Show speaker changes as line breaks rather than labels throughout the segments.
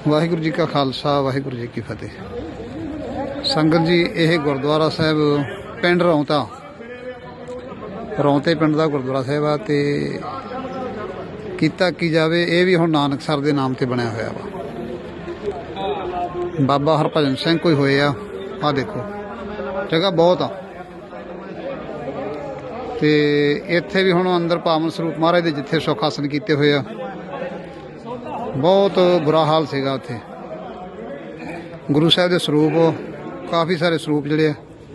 वाहिगुरू जी का खालसा वाहिगुरू जी की फतेह। संगत जी यह गुरुद्वारा साहब पिंड रौंता रौंते पिंड का गुरुद्वारा साहब आ ते कीता की जावे ये भी हुण नानक सर के नाम से बनया होया वा। बाबा हरभजन सिंह कोई होए आ देखो जगह बहुत आ ते इत्थे भी हुण अंदर पावन स्वरूप महाराज दे जिथे सुख आसन कीते होए आ बहुत बुरा हाल सीगा उत्थे। गुरु साहब के स्वरूप काफ़ी सारे स्वरूप जिहड़े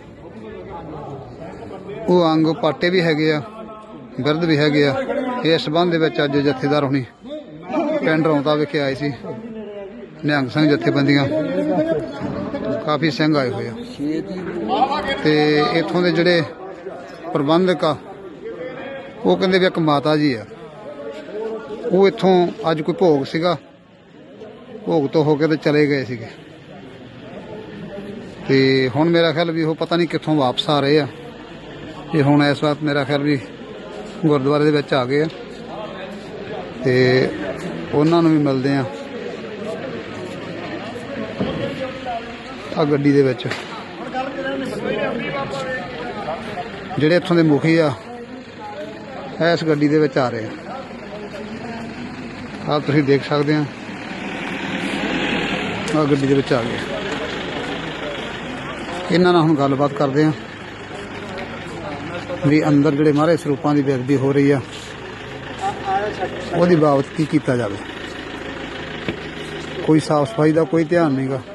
वो अंग पाटे भी हैगे आ बिरद भी हैगे आ। इस संबंध दे विच अज जथेदार होनी पिंड रौंता विखे आए सी निहंग सिंह जथेबंदियां काफ़ी सिंह आए हुए आ ते इत्थों दे जिहड़े प्रबंधक आ वो कहंदे भी एक माता जी आ वो इत्थों अज कोई भोग सीगा भोग तो होके तो चले गए सीगे ते हुण मेरा ख्याल भी वो पता नहीं कित्थों वापस आ रहे आ ते हुण इस वक्त मेरा ख्याल भी गुरुद्वारे दे विच आ गए आ ते उन्हां नूं भी मिलदे आ गड्डी दे विच जिहड़े इत्थों दे मुखी आ इस गड्डी दे विच आ रहे आ। आप तुसीं देख सकते हैं आ गड्डी दे विच आ गए। इन्हां नाल हुण गलबात करदे हैं भी अंदर जिहड़े महाराज स्वरूपां दी बेअदबी हो रही है उहदी बाबत की कीता जावे। कोई साफ सफाई का कोई ध्यान नहीं गा।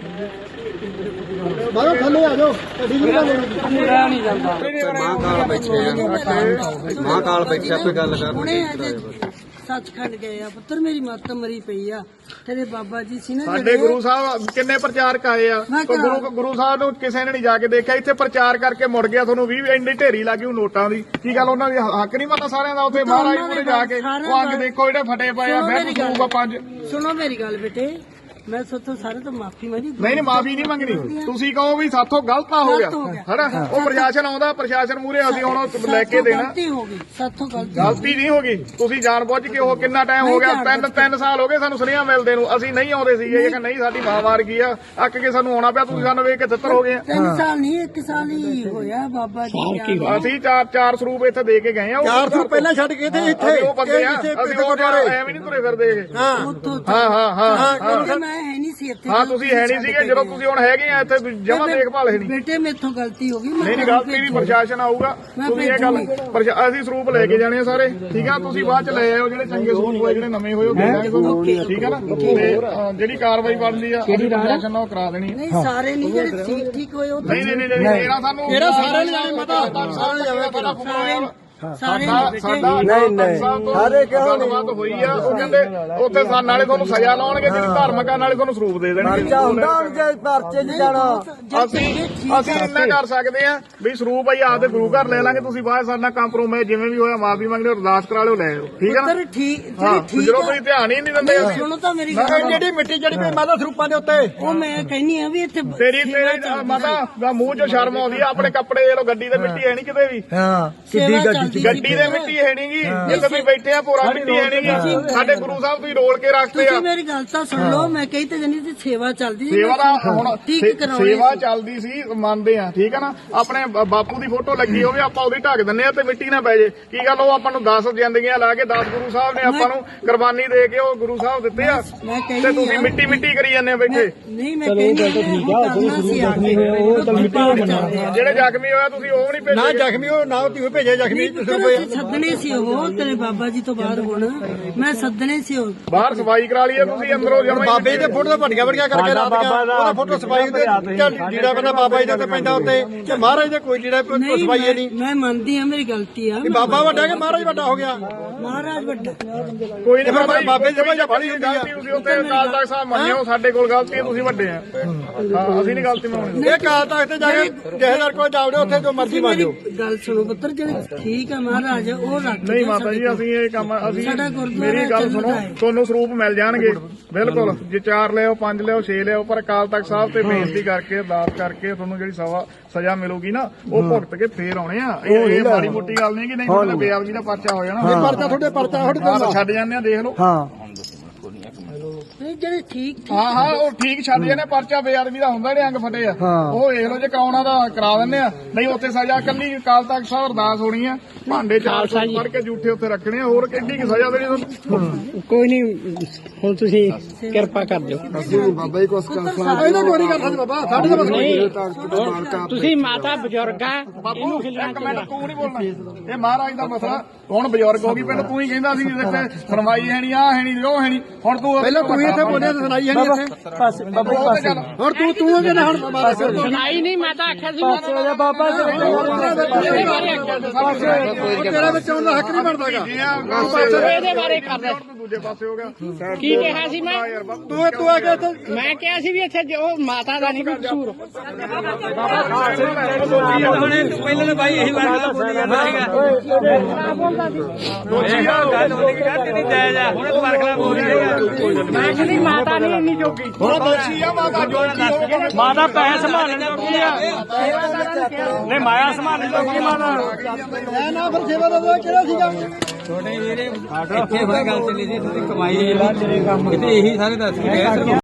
सचखंड गए आ पुत्र मेरी मत मरी पई आ तेरे बाबा जी सी ना
ਸਾਡੇ ਗੁਰੂ ਸਾਹਿਬ ਕਿੰਨੇ ਪ੍ਰਚਾਰਕ ਆਏ ਆ ਗੁਰੂ ਸਾਹਿਬ ਨੂੰ ਕਿਸੇ ਨੇ ਨਹੀਂ ਜਾ ਕੇ ਦੇਖਿਆ ਇੱਥੇ ਪ੍ਰਚਾਰ ਕਰਕੇ ਮੁੜ ਗਿਆ। ਤੁਹਾਨੂੰ 20 ਇੰਨੀ ਢੇਰੀ ਲੱਗੀ ਨੋਟਾਂ ਦੀ ਕੀ ਗੱਲ ਉਹਨਾਂ ਦੀ ਹੱਕ ਨਹੀਂ ਪਤਾ ਸਾਰਿਆਂ ਦਾ ਉੱਥੇ ਮਹਾਰਾਜ ਕੋਲੇ ਜਾ ਕੇ ਉਹ ਅੱਗ ਦੇਖੋ ਜਿਹੜੇ ਫਟੇ ਪਏ ਆ ਫਿਰ ਕੂਗਾ 5
सुनो मेरी गल बेटे मैं सोचो सारे तो माफी मंगी
ਨਹੀਂ ਮਾਫੀ ਨਹੀਂ ਮੰਗਣੀ ਤੁਸੀਂ ਕਹੋ ਵੀ ਸਾਥੋਂ ਗਲਤ ਹੋ ਗਿਆ ਹਨਾ ਉਹ ਪ੍ਰਸ਼ਾਸਨ ਆਉਂਦਾ ਪ੍ਰਸ਼ਾਸਨ ਮੂਹਰੇ ਅਸੀਂ ਹੁਣ ਲੈ ਕੇ ਦੇਣਾ
गलती होगी साथों गलती
ਗਲਤੀ ਨਹੀਂ ਹੋ ਗਈ ਤੁਸੀਂ ਜਾਣਬੁੱਝ ਕੇ ਉਹ ਕਿੰਨਾ ਟਾਈਮ ਹੋ ਗਿਆ 3 ਸਾਲ ਹੋ ਗਏ ਸਾਨੂੰ ਸੁਨੇਹਾ ਮਿਲਦੇ ਨੂੰ ਅਸੀਂ ਨਹੀਂ ਆਉਂਦੇ ਸੀਗੇ ਇਹ ਕਿ ਨਹੀਂ ਸਾਡੀ ਮਾਂ ਮਾਰ ਗਈ ਆ ਅੱਕ ਕੇ ਸਾਨੂੰ ਆਉਣਾ ਪਿਆ ਤੁਸੀਂ ਸਾਨੂੰ ਵੇਖ ਕੇ ਤਿੱਤਰ ਹੋ ਗਏ
3 साल नहीं 1 साल ही होया बाबा जी
ਅਸੀਂ ਚਾਰ ਸਰੂਪ ਇੱਥੇ ਦੇ ਕੇ ਗਏ ਆ
4 ਸਾਲ ਪਹਿਲਾਂ ਛੱਡ ਕੇ ਤੇ ਇੱਥੇ
ਉਹ ਬੰਦੇ ਆ ਅਸੀਂ ਉਹ ਐਵੇਂ ਨਹੀਂ ਤੁਰੇ ਫਿਰਦੇ
हाँ
ਹਾਂ
मैं है नहीं सी इत्थे
ਹਾਂ ਤੁਸੀਂ ਹੈ ਨਹੀਂ ਸੀਗੇ ਜਦੋਂ ਤੁਸੀਂ ਹੁਣ ਹੈਗੇ ਆ ਇੱਥੇ ਜਮਾਂ ਦੇਖਭਾਲ ਹੈ ਨਹੀਂ
बेटे मेथों गलती होगी
ਨਹੀਂ ਗਲਤੀ ਵੀ ਪ੍ਰਸ਼ਾਸਨ ਆਊਗਾ ਤੁਸੀਂ ਇਹ ਗੱਲ ਅਸੀਂ ਸਰੂਪ ਲੈ ਕੇ ਜਾਣੇ ਆ ਸਾਰੇ ਠੀਕ ਆ ਤੁਸੀਂ ਬਾਅਦ ਚ ਲੈ ਆਇਓ ਜਿਹੜੇ ਚੰਗੇ ਸਰੂਪ ਹੋਏ ਜਿਹੜੇ ਨਵੇਂ ਹੋਏ ਉਹ ਦੇ ਦਾਂਗੇ ਤੁਹਾਨੂੰ ਠੀਕ ਆ ਨਾ ਤੇ ਜਿਹੜੀ ਕਾਰਵਾਈ ਬਣਦੀ ਆ ਉਹਦੀ ਪ੍ਰਸ਼ਾਸਨ ਨਾਲ ਕਰਾ ਦੇਣੀ
नहीं सारे नहीं जेडे ठीक होए वो
ਨਹੀਂ ਮੇਰਾ ਸਾਨੂੰ
ਇਹਦਾ ਸਾਰਿਆਂ ਨੂੰ ਜਾਣੇ ਪਤਾ ਸਾਰਿਆਂ ਨੂੰ ਜਾਵੇ ਪਤਾ
सारे
ਸਾਡਾ ਸਾਰੇ ਕਿਉਂ ਗੱਲਬਾਤ ਹੋਈ ਆ ਉਹ ਕਹਿੰਦੇ ਉੱਥੇ ਨਾਲੇ ਤੁਹਾਨੂੰ ਸਜ਼ਾ ਲਾਉਣਗੇ ਜਿਹੜੀ ਧਾਰਮਿਕ ਆ ਨਾਲੇ ਤੁਹਾਨੂੰ ਸਰੂਪ ਦੇ ਦੇਣਗੇ
ਹੁੰਦਾ ਜੇ ਪਰਚੇ 'ਚ ਜਾਣਾ
ਅਸੀਂ ਇੰਨਾ ਕਰ ਸਕਦੇ ਆ ਵੀ ਸਰੂਪ ਆਈ ਆਪਦੇ ਗੁਰੂ ਘਰ ਲੈ ਲਾਂਗੇ ਤੁਸੀਂ ਬਾਅਦ ਸਾਡੇ ਨਾਲ ਕੰਪਰੋਮਾਈਜ਼ ਜਿਵੇਂ ਵੀ ਹੋਇਆ ਮਾਫੀ ਮੰਗ ਲਿਓ ਅਰਦਾਸ ਕਰਾ ਲਿਓ ਲੈ ਆਓ ਠੀਕ ਆ ਨਾ
ठीक
ਹਾਂ ਜਦੋਂ ਤੁਸੀਂ ਧਿਆਨ ਹੀ ਨਹੀਂ ਦਿੰਦੇ ਅਸੀਂ
सुनो तो मेरी गल
ਜਿਹੜੀ ਮਿੱਟੀ ਜਿਹੜੀ ਪਈ ਮਾਤਾ ਸਰੂਪਾਂ ਦੇ ਉੱਤੇ
ਉਹ ਮੈਂ ਕਹਿੰਨੀ ਆ ਵੀ ਇੱਥੇ
ਤੇਰੇ ਮਾਤਾ ਦਾ ਮੂੰਹ ਚੋਂ ਸ਼ਰਮ ਆਉਂਦੀ ਆ ਆਪਣੇ ਕੱਪੜੇ ਇਹ ਲੋ ਗੱਡੀ ਦੇ ਮਿੱਟੀ ਹੈ ਨਹੀਂ ਕਿਤੇ ਵੀ
ਹਾਂ
ਕਿੱਡੀ ਗੱਡੀ
ਗੱਡੀ ਦੇ ਮਿੱਟੀ ਹੈ ਨਹੀਂਗੀ ਜਿੱਥੇ ਤੁਸੀਂ ਬੈਠੇ ਆ ਪੂਰਾ ਮਿੱਟੀ ਹੈ ਨਹੀਂਗੀ ਸਾਡੇ ਗੁਰੂ ਸਾਹਿਬ ਤੁਸੀਂ ਰੋਲ ਕੇ ਰੱਖਦੇ ਆ
ਤੁਸੀਂ ਮੇਰੀ ਗੱਲ ਤਾਂ ਸੁਣ ਲਓ ਮੈਂ ਕਹੀ ਤੇ ਜਨੀ ਦੀ ਸੇਵਾ ਚੱਲਦੀ
ਸੇਵਾ ਦਾ ਹੁਣ
ਠੀਕ ਕਰਾਉਣੀ
ਸੇਵਾ ਚੱਲਦੀ ਸੀ ਮੰਨਦੇ ਆ ਠੀਕ ਆ ਨਾ ਆਪਣੇ ਬਾਪੂ ਦੀ ਫੋਟੋ ਲੱਗੀ ਹੋਵੇ ਆਪਾਂ ਉਹਦੀ ਢੱਕ ਦਿੰਨੇ ਆ ਤੇ ਮਿੱਟੀ ਨਾ ਪੈ ਜੇ ਕੀ ਗੱਲ ਉਹ ਆਪਾਂ ਨੂੰ 10 ਜ਼ਿੰਦਗੀਆਂ ਲਾ ਕੇ 10 ਗੁਰੂ ਸਾਹਿਬ ਨੇ ਆਪਾਂ ਨੂੰ ਕੁਰਬਾਨੀ ਦੇ ਕੇ ਉਹ ਗੁਰੂ ਸਾਹਿਬ ਦਿੱਤੇ ਆ
ਮੈਂ
ਤੇ
ਕਹਿੰਦੀ
ਤੁਸੀਂ ਮਿੱਟੀ ਮਿੱਟੀ ਕਰੀ ਜਾਂਦੇ ਆ ਬੈਠੇ
ਨਹੀਂ ਮੈਂ ਕਹਿੰਦੀ
ਜਿਹੜੇ ਜ਼ਖਮੀ ਹੋਇਆ ਤੁਸੀਂ ਉਹ ਨਹੀਂ
ਨਾ
ਭੇਜੇ
ਜ਼ਖਮੀ ਹੋ ਨਾ ਤੀ ਭੇਜੇ ਜ਼ਖਮੀ
ਸੱਦਣੇ ਸੀ ਉਹ ਤੇਰੇ ਬਾਬਾ ਜੀ ਤੋਂ ਬਾਅਦ ਹੁਣ ਮੈਂ ਸੱਦਣੇ ਸੀ ਉਹ
ਬਾਹਰ ਸਫਾਈ ਕਰਾ ਲਈ ਤੁਸੀਂ ਅੰਦਰੋਂ ਜਮਾ
ਬਾਬੇ ਦੇ ਫੋਟੋ ਵੱਡੀਆਂ ਵੱਡੀਆਂ ਕਰਕੇ ਰਾਤ ਗਿਆ ਉਹਦਾ ਫੋਟੋ ਸਫਾਈ ਤੇ ਲੀੜਾ ਬੰਦਾ ਬਾਬਾ ਜੀ ਦੇ ਉੱਤੇ ਪੈਂਦਾ ਉੱਤੇ ਤੇ ਮਹਾਰਾਜ ਦੇ ਕੋਈ ਲੀੜਾ ਸਫਾਈ ਹੈ ਨਹੀਂ
ਮੈਂ ਮੰਨਦੀ ਆ ਮੇਰੀ ਗਲਤੀ ਆ
ਬਾਬਾ ਵੱਡਾ ਕਿ ਮਹਾਰਾਜ ਵੱਡਾ ਹੋ ਗਿਆ
ਮਹਾਰਾਜ ਵੱਡਾ
ਕੋਈ ਨਹੀਂ
ਬਾਬੇ ਦੀ ਜਮਾਂ ਬੜੀ ਹੁੰਦੀ ਆ
ਤੁਸੀਂ ਉੱਤੇ ਅਕਾਲ ਤਖਤ ਸਾਹਿਬ ਮੰਨਿਓ ਸਾਡੇ ਕੋਲ ਗਲਤੀ ਹੈ ਤੁਸੀਂ ਵੱਡੇ ਆ ਹਾਂ ਅਸੀਂ ਨਹੀਂ ਗਲਤੀ ਮੰਨਣੀ
ਇਹ ਕਾਲ ਤਖਤ ਤੇ ਜਾ ਕੇ ਜਹੇਦਾਰ ਕੋਲ ਜਾਵੜੇ ਉੱਥੇ ਜੋ ਮਰਜ਼ੀ ਮੰਨੋ
ਗੱਲ ਸੁਣੋ ਪੁੱਤਰ ਜਿਹੜੇ ਠੀਕ ਆ ਮਹਾਰਾਜ ਉਹ ਰੱਖ
ਨਹੀਂ ਮਾਤਾ ਜੀ ਅਸੀਂ ਇਹ ਕੰਮ ਅਸੀਂ
ਸਾਡਾ ਗੁਰਦੁਆਰਾ
ਮੇਰੀ ਗੱਲ ਸੁਣੋ
ਚੱਲਦਾ ਹੈ।
ਤੁਹਾਨੂੰ ਸਰੂਪ ਮਿਲ ਜਾਣਗੇ ਬਿਲਕੁਲ ਜੇ 4 ਲਿਓ 5 ਲਿਓ 6 ਲਿਓ ਪਰ ਅਕਾਲ ਤਖਤ ਸਾਹਿਬ ਤੇ ਬੇਨਤੀ ਕਰਕੇ ਅਰਦਾਸ ਕਰਕੇ ਤੁਹਾਨੂੰ ਜਿਹੜੀ ਸਜ਼ਾ ਮਿਲੂਗੀ ਨਾ ਉਹ ਭੁਗਤ ਕੇ ਫੇਰ ਆਉਣੇ ਆ ਇਹ ਮਾੜੀ ਮੋਟੀ ਗੱਲ ਨਹੀਂ ਕਿ ਨਹੀਂ ਤੁਹਾਡੇ ਬੇਅਦਬੀ ਦਾ ਪਰਚਾ ਹੋ ਜਾਣਾ
ਪਰਚਾ ਤੁਹਾਡੇ ਪਰਚਾ
ਛੱਡ ਜਾਂਦੇ ਆ ਦੇਖ ਲਓ
ਹਾਂ
ਜਿਹੜੇ ਠੀਕ
ਹਾਂ ਉਹ ਠੀਕ ਛੱਡ ਜਾਂਦੇ ਪਰਚਾ ਬੇਅਦਬੀ ਦਾ ਹੁੰਦਾ ਜਿਹੜੇ ਅੰਗ ਫਟੇ ਆ ਉਹ ਵੇਖ ਲਓ ਜੇ ਕਰਾਉਣਾ ਦਾ ਕਰਾ ਦਿੰਦੇ ਆ ਨਹੀਂ ਉੱਥੇ ਸਜ਼ਾ ਕੱਲੀ ਅਕਾਲ ਤਖਤ ਸਾਹਿਬ ਅਰਦਾਸ ਹੋਣੀ ਆ ਭਾਂਡੇ ਚਾਰ ਫੜ ਕੇ ਜੂਠੇ ਉੱਥੇ ਰੱਖਣੇ ਆ ਹੋਰ ਕਿੰਨੀ ਕੀ ਸਜ਼ਾ ਦੇਣੀ ਤੁਹਾਨੂੰ
ਕੋਈ ਨਹੀਂ ਹੁਣ ਤੁਸੀਂ ਕਿਰਪਾ ਕਰ ਦਿਓ
ਬਾਬਾ ਜੀ ਕੁਛ ਇਹਦਾ ਕੋਈ ਨਹੀਂ ਕਰ ਸਕਦੇ ਬਾਬਾ ਸਾਡੇ ਤਾਂ ਬਸ
ਤੁਸੀਂ ਮਾਤਾ ਬਜ਼ੁਰਗ ਆ
ਬਾਪੂ ਇੱਕ ਮਿੰਟ ਤੂੰ ਨਹੀਂ ਬੋਲਣਾ ਇਹ ਮਹਾਰਾਜ ਦਾ ਮਸਲਾ ਹੁਣ ਬਜ਼ੁਰਗ ਹੋ ਗਈ ਪਿੰਡ ਤੂੰ ਹੀ ਕਹਿੰਦਾ ਸੀ ਇੱਥੇ ਸੁਣਵਾਈ ਹੈ ਨਹੀਂ ਆ ਹੈ ਨਹੀਂ ਉਹ ਹੈ ਨਹੀਂ ਹੁਣ ਤੂੰ
ਪਹਿਲਾਂ ਤੂੰ ਹੀ ਇੱਥੇ ਬੋਲਿਆ ਸੁਣਾਈ ਹੈ ਨਹੀਂ ਇੱਥੇ ਹੁਣ ਤੂੰ ਕਹਿੰਦਾ ਹੁਣ ਮਾਰਾ ਸਿਰ
ਸੁਣਾਈ ਨਹੀਂ ਮਾਤਾ ਆਖਿਆ ਸੀ
ਬਾਬਾ
ਤੇਰਾ ਵਿੱਚ ਆਉਣ ਦਾ ਹੱਕ ਨਹੀਂ ਬਣਦਾਗਾ
ਇਹਦੇ ਬਾਰੇ ਕਰ ਲੈ
ਤੂੰ ਦੂਜੇ ਪਾਸੇ ਹੋ ਗਿਆ
ਕੀ ਕਿਹਾ ਸੀ ਮੈਂ
ਤੂੰ ਆ ਕੇ
ਮੈਂ ਕਿਹਾ ਸੀ ਵੀ ਇੱਥੇ ਜੋ ਮਾਤਾ ਦਾ ਨਹੀਂ ਕੋਈ ਕਸੂਰ
ਪਹਿਲਾਂ ਤਾਂ ਬਾਈ ਇਹੀ ਵਾਰ ਬੋਲੀ ਜਾਂਦਾ ਸੀਗਾ ਹੁਣ ਤੁਹਾਡੇ ਖਿਲਾਫ ਬੋਲ ਰਹੇਗਾ
ਮੈਂ ਕਹਿੰਦੀ ਮਾਤਾ ਨਹੀਂ ਇੰਨੀ ਜੋਗੀ
ਹੁਣ ਦੋਸ਼ੀ ਆ ਮਾਤਾ ਜੋਗੀ
ਮਾਤਾ ਪੈਸੇ ਸੰਭਾਲਣ ਜੋਗੀ ਆ ਨਹੀਂ ਮਾਇਆ ਸੰਭਾਲਣ ਜੋਗੀ ਮਾਤਾ
ਨਾ ਫਿਰ ਸੇਵਾ ਦਾ ਕਿਹੜਾ ਸੀਗਾ
ਇੱਥੇ ਹੋਇਆ ਗੱਲ ਚੱਲੀ ਸੀ ਤੁਸੀਂ ਕਮਾਈ ਕਿਤੇ ਇਹੀ ਸਾਰੇ ਦੱਸ ਕੇ ਗਏ